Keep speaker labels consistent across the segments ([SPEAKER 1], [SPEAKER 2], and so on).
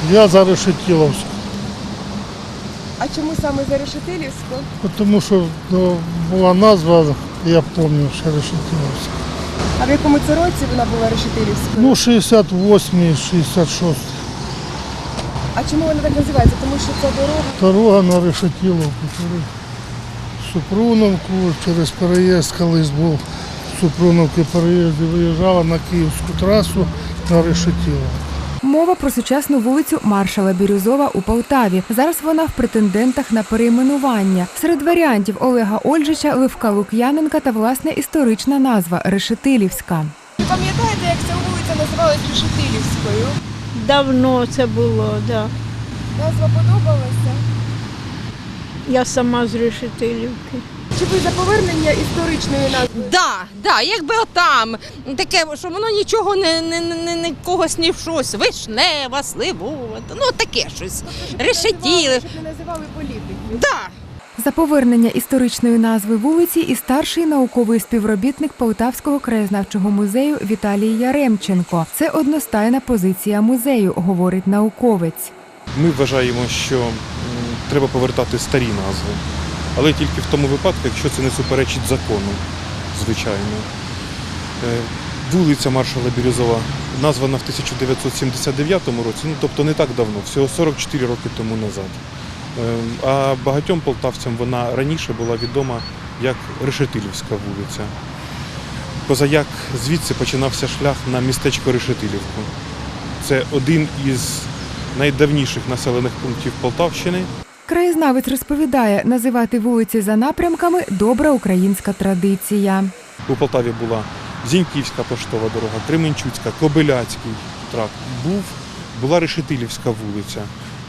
[SPEAKER 1] Я за Решетиловську.
[SPEAKER 2] А чому саме за Решетилівську?
[SPEAKER 1] Тому що була назва, я пам'ятаю, що Решетиловська.
[SPEAKER 2] А в якому це році вона була Решетилівською?
[SPEAKER 1] Ну, 68-й, 66-й.
[SPEAKER 2] А чому вона так називається? Тому що це дорога.
[SPEAKER 1] Дорога на Решетиловку, через Супруновку, через переїзд колись був. З Супруновки переїзд і виїжджала на Київську трасу на Решетиловку.
[SPEAKER 3] Мова про сучасну вулицю Маршала Бірюзова у Полтаві. Зараз вона в претендентах на перейменування. Серед варіантів Олега Ольжича, Левка Лук'яненка та, власне, історична назва – Решетилівська.
[SPEAKER 2] Ви пам'ятаєте, як ця вулиця називалась Решетилівською?
[SPEAKER 4] Давно це було, да.
[SPEAKER 2] Назва подобалася?
[SPEAKER 4] Я сама з Решетилівки.
[SPEAKER 2] Чи ви за повернення історичної назви?
[SPEAKER 5] Да, якби отам, таке, що воно нічого не когось ні в щось, вишнева, сливова, ну таке щось, решетіли.
[SPEAKER 2] Щоб не називали політиків.
[SPEAKER 5] Да.
[SPEAKER 3] За повернення історичної назви вулиці і старший науковий співробітник Полтавського краєзнавчого музею Віталій Яремченко. Це одностайна позиція музею, говорить науковець.
[SPEAKER 6] Ми вважаємо, що треба повертати старі назви, але тільки в тому випадку, якщо це не суперечить закону, звичайно. Вулиця Маршала Бірюзова названа в 1979 році, ну тобто не так давно, всього 44 роки тому назад. А багатьом полтавцям вона раніше була відома як Решетилівська вулиця. Позаяк звідси починався шлях на містечко Решетилівку. Це один із найдавніших населених пунктів Полтавщини.
[SPEAKER 3] Краєзнавець розповідає, називати вулиці за напрямками – добра українська традиція.
[SPEAKER 6] У Полтаві була Зіньківська поштова дорога, Кременчуцька, Кобиляцький тракт. Була Решетилівська вулиця.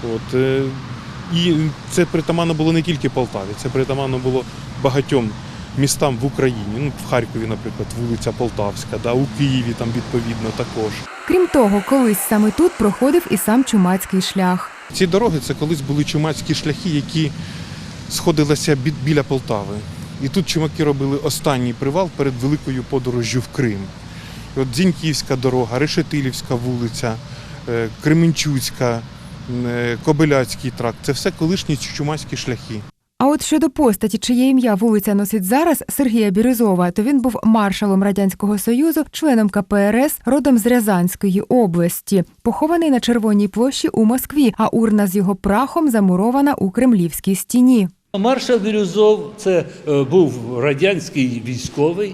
[SPEAKER 6] І це притаманно було не тільки Полтаві, це притаманно було багатьом містам в Україні. Ну, в Харкові, наприклад, вулиця Полтавська, у Києві там відповідно також.
[SPEAKER 3] Крім того, колись саме тут проходив і сам Чумацький шлях.
[SPEAKER 6] Ці дороги – це колись були чумацькі шляхи, які сходилися біля Полтави. І тут чумаки робили останній привал перед великою подорожжю в Крим. І от Зіньківська дорога, Решетилівська вулиця, Кременчуцька, Кобиляцький тракт – це все колишні чумацькі шляхи.
[SPEAKER 3] А от щодо постаті, чиє ім'я вулиця носить зараз, Сергія Бірюзова, то він був маршалом Радянського Союзу, членом КПРС, родом з Рязанської області. Похований на Червоній площі у Москві, а урна з його прахом замурована у Кремлівській стіні.
[SPEAKER 7] Маршал Бірюзов – це був радянський військовий,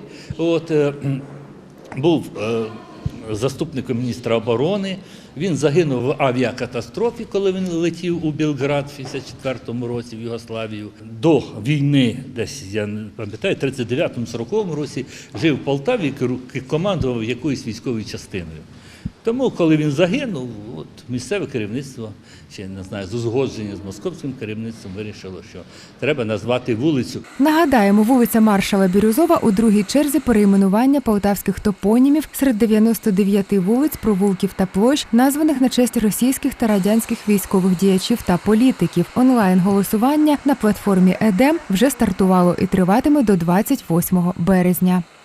[SPEAKER 7] був заступником міністра оборони. Він загинув в авіакатастрофі, коли він летів у Білград в 1954 році в Югославію. До війни, десь, я не пам'ятаю, в 1939-1940 році жив в Полтаві і командував якоюсь військовою частиною. Тому, коли він загинув, місцеве керівництво, чи не знаю, з узгодження з московським керівництвом вирішило, що треба назвати вулицю.
[SPEAKER 3] Нагадаємо, вулиця Маршала Бірюзова у другій черзі перейменування полтавських топонімів серед 99 вулиць, провулків та площ, названих на честь російських та радянських військових діячів та політиків. Онлайн-голосування на платформі ЕДЕМ вже стартувало і триватиме до 28 березня.